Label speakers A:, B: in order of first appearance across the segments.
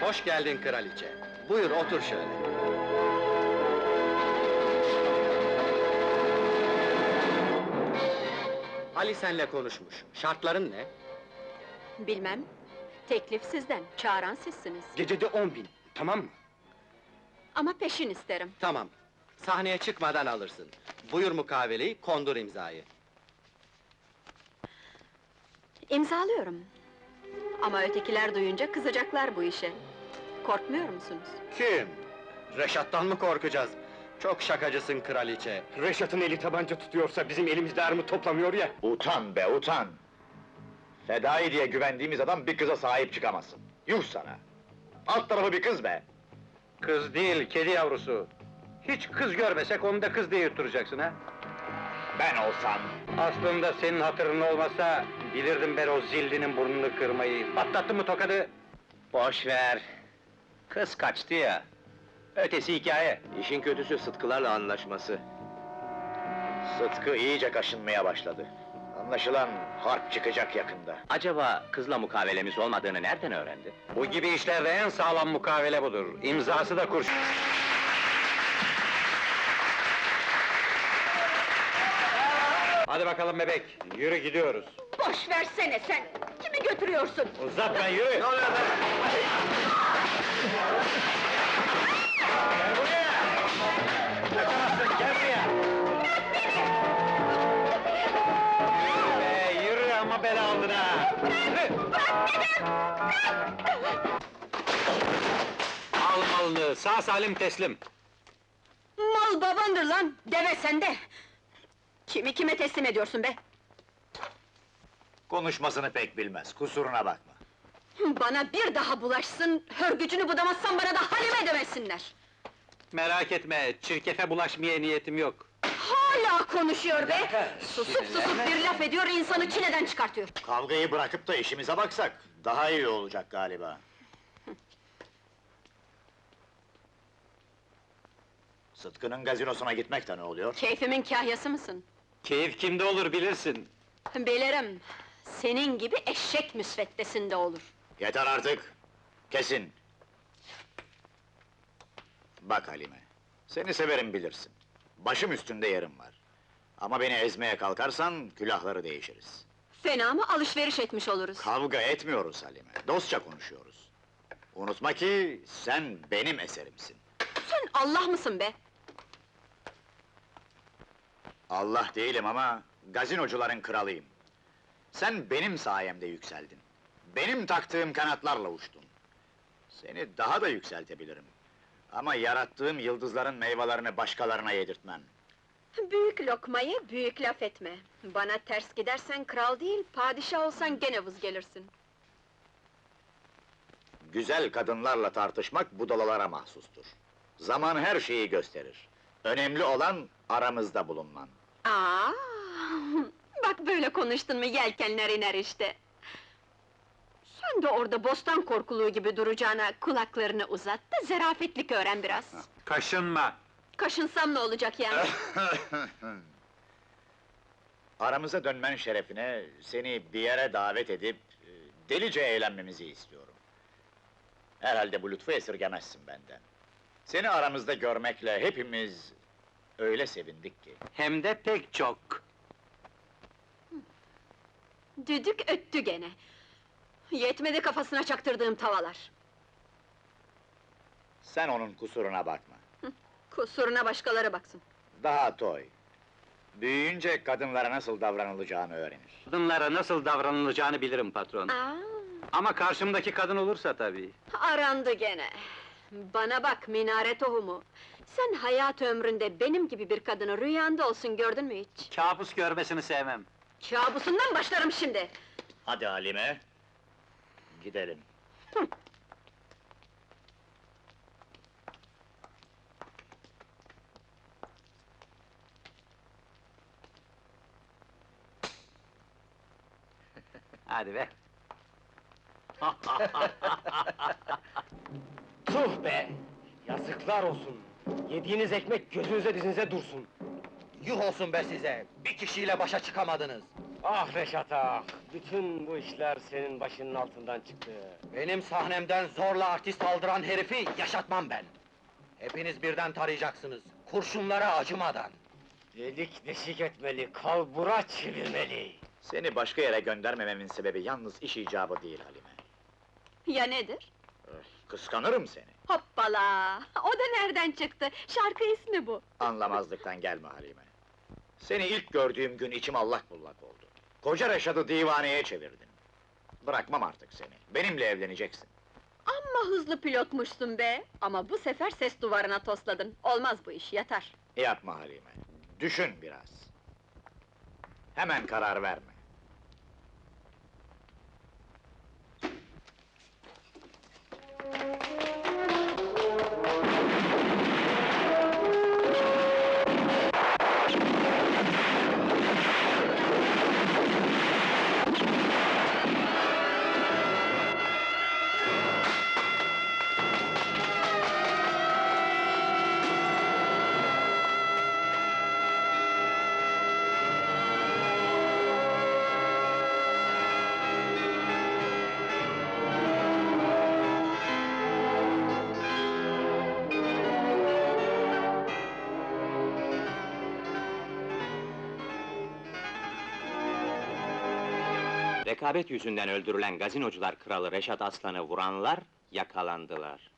A: Hoş geldin kraliçe. Buyur otur şöyle. Ali senle konuşmuş. Şartların ne?
B: Bilmem. Teklif sizden, çağıran sizsiniz.
A: Gecede 10.000, tamam mı?
B: Ama peşin isterim.
A: Tamam. Sahneye çıkmadan alırsın. Buyur mukaveleyi, kondur imzayı.
B: İmzalıyorum. Ama ötekiler duyunca kızacaklar bu işe. Korkmuyor musunuz?
A: Kim? Reşat'tan mı korkacağız? Çok şakacısın kraliçe.
C: Reşat'ın eli tabanca tutuyorsa bizim elimizde armut toplamıyor ya.
D: Utan be, utan! Fedai diye güvendiğimiz adam bir kıza sahip çıkamasın. Yuh sana! Alt tarafı bir kız be!
E: Kız değil, kedi yavrusu. Hiç kız görmesek onu da kız diye yutturacaksın ha?
D: Ben olsam...
E: Aslında senin hatırın olmasa, bilirdim ben o zillinin burnunu kırmayı. Patlattın mı tokadı? Boş ver. Kız kaçtı ya. Ötesi hikaye.
D: İşin kötüsü Sıtkılarla anlaşması. Sıtkı iyice kaşınmaya başladı. Anlaşılan harp çıkacak yakında.
E: Acaba kızla mukavelemiz olmadığını nereden öğrendi? Bu gibi işlerde en sağlam mukavele budur. İmzası da kurşun. Hadi bakalım bebek, yürü gidiyoruz.
B: Boş versene sen! Kimi götürüyorsun?
E: Uzatma, yürü! Ne oluyor lan? Gel buraya! Kaçamazsın, gel buraya! Yürü be, yürü ama bela aldın ha! Yürü! Al malını, sağ salim teslim!
B: Mal babandır lan! Deve sende! Kimi kime teslim ediyorsun be?
D: Konuşmasını pek bilmez, kusuruna bakma.
B: Bana bir daha bulaşsın, hörgücünü budamazsan bana da Halime demesinler!
E: Merak etme, çirkefe bulaşmaya niyetim yok.
B: Hala konuşuyor be! Susup bir laf ediyor, insanı çileden çıkartıyor!
D: Kavgayı bırakıp da işimize baksak, daha iyi olacak galiba. Sıtkı'nın gazinosuna gitmek de ne oluyor?
B: Keyfimin kahyası mısın?
E: Keyif kimde olur bilirsin.
B: Bilirim! Senin gibi eşek müsveddesinde olur!
D: Yeter artık! Kesin! Bak Halime, seni severim bilirsin. Başım üstünde yerim var. Ama beni ezmeye kalkarsan, külahları değişiriz.
B: Fena mı alışveriş etmiş oluruz?
D: Kavga etmiyoruz Halime, dostça konuşuyoruz. Unutma ki, sen benim eserimsin.
B: Sen Allah mısın be?
D: Allah değilim ama, gazinocuların kralıyım. Sen benim sayemde yükseldin. Benim taktığım kanatlarla uçtun. Seni daha da yükseltebilirim. Ama yarattığım yıldızların meyvelerini başkalarına yedirtmem.
B: Büyük lokmayı büyük laf etme. Bana ters gidersen kral değil, padişah olsan gene vız gelirsin.
D: Güzel kadınlarla tartışmak budalalara mahsustur. Zaman her şeyi gösterir. Önemli olan aramızda bulunman.
B: Aa, bak böyle konuştun mu yelkenler iner işte. Sen de orada bostan korkuluğu gibi duracağına kulaklarını uzat da zerafetlik öğren biraz.
E: Kaşınma!
B: Kaşınsam ne olacak yani?
D: Aramıza dönmen şerefine seni bir yere davet edip delice eğlenmemizi istiyorum. Herhalde bu lütfu esirgemezsin benden. Seni aramızda görmekle hepimiz öyle sevindik ki.
E: Hem de pek çok.
B: Düdük öttü gene. Yetmedi kafasına çaktırdığım tavalar.
D: Sen onun kusuruna bakma.
B: Kusuruna başkaları baksın.
D: Daha toy. Büyüyünce kadınlara nasıl davranılacağını öğrenir.
E: Kadınlara nasıl davranılacağını bilirim patron.
B: Aa,
E: Ama karşımdaki kadın olursa tabii.
B: arandı gene. Bana bak minare tohumu. Sen hayat ömründe benim gibi bir kadını rüyanda olsun gördün mü hiç?
E: Kabus görmesini sevmem.
B: Kabusundan başlarım şimdi!
D: Hadi Halime, gidelim.
E: Hadi be!
C: Tuh be! Yazıklar olsun! Yediğiniz ekmek gözünüze dizinize dursun!
A: Yuh olsun be size! Bir kişiyle başa çıkamadınız!
C: Ah Reşat ah! Bütün bu işler senin başının altından çıktı.
A: Benim sahnemden zorla artist aldıran herifi yaşatmam ben. Hepiniz birden tarayacaksınız, kurşunlara acımadan.
C: Delik deşik etmeli, kalbura çevirmeli.
D: Seni başka yere göndermememin sebebi yalnız iş icabı değil Halime.
B: Ya nedir?
D: Kıskanırım seni.
B: Hoppala! O da nereden çıktı? Şarkı ismi bu.
D: Anlamazlıktan gelme Halime. Seni ilk gördüğüm gün içim allak bullak oldu. Koca Reşat'ı divaneye çevirdin. Bırakmam artık seni. Benimle evleneceksin.
B: Amma hızlı pilotmuşsun be! Ama bu sefer ses duvarına tosladın. Olmaz bu iş, yatar.
D: Yapma Halime. Düşün biraz. Hemen karar verme.
E: Rekabet yüzünden öldürülen gazinocular kralı Reşat Aslan'ı vuranlar yakalandılar.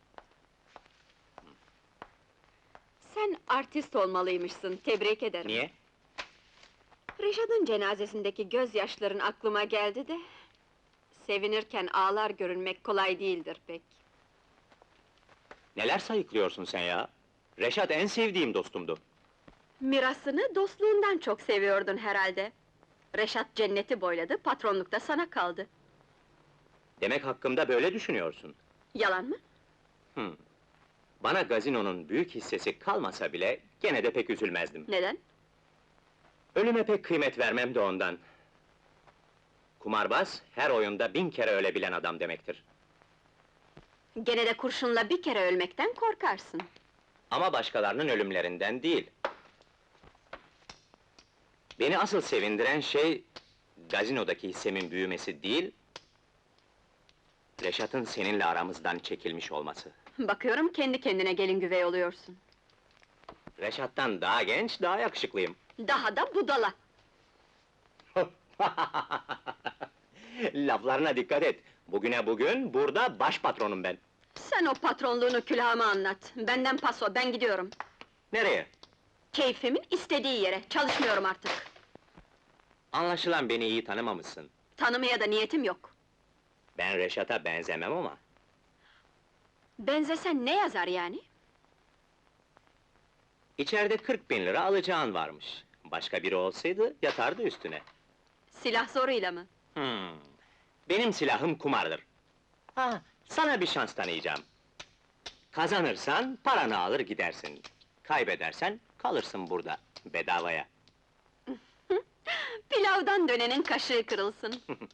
B: Sen artist olmalıymışsın, tebrik ederim.
E: Niye?
B: Reşat'ın cenazesindeki gözyaşların aklıma geldi de... ...sevinirken ağlar görünmek kolay değildir pek.
E: Neler sayıklıyorsun sen ya? Reşat en sevdiğim dostumdu.
B: Mirasını dostluğundan çok seviyordun herhalde. Reşat cenneti boyladı, patronluk da sana kaldı.
E: Demek hakkımda böyle düşünüyorsun.
B: Yalan mı?
E: Bana gazinonun büyük hissesi kalmasa bile gene de pek üzülmezdim.
B: Neden?
E: Ölüme pek kıymet vermem de ondan. Kumarbaz her oyunda 1000 kere ölebilen adam demektir.
B: Gene de kurşunla bir kere ölmekten korkarsın.
E: Ama başkalarının ölümlerinden değil. Beni asıl sevindiren şey, gazinodaki hissemin büyümesi değil, Reşat'ın seninle aramızdan çekilmiş olması.
B: Bakıyorum kendi kendine gelin güvey oluyorsun.
E: Reşat'tan daha genç, daha yakışıklıyım.
B: Daha da budala!
E: Laflarına dikkat et. Bugüne bugün, burada baş patronum ben.
B: Sen o patronluğunu külahıma anlat. Benden paso, ben gidiyorum.
E: Nereye?
B: Keyfimin istediği yere, çalışmıyorum artık.
E: Anlaşılan beni iyi tanımamışsın.
B: Tanımaya da niyetim yok.
E: Ben Reşat'a benzemem ama.
B: Benzesen ne yazar yani?
E: İçeride 40.000 lira alacağın varmış. Başka biri olsaydı, yatardı üstüne.
B: Silah zoruyla mı?
E: Benim silahım kumardır. Ha, sana bir şans tanıyacağım. Kazanırsan, paranı alır gidersin. Kaybedersen, kalırsın burada, bedavaya.
B: Pilavdan dönenin kaşığı kırılsın.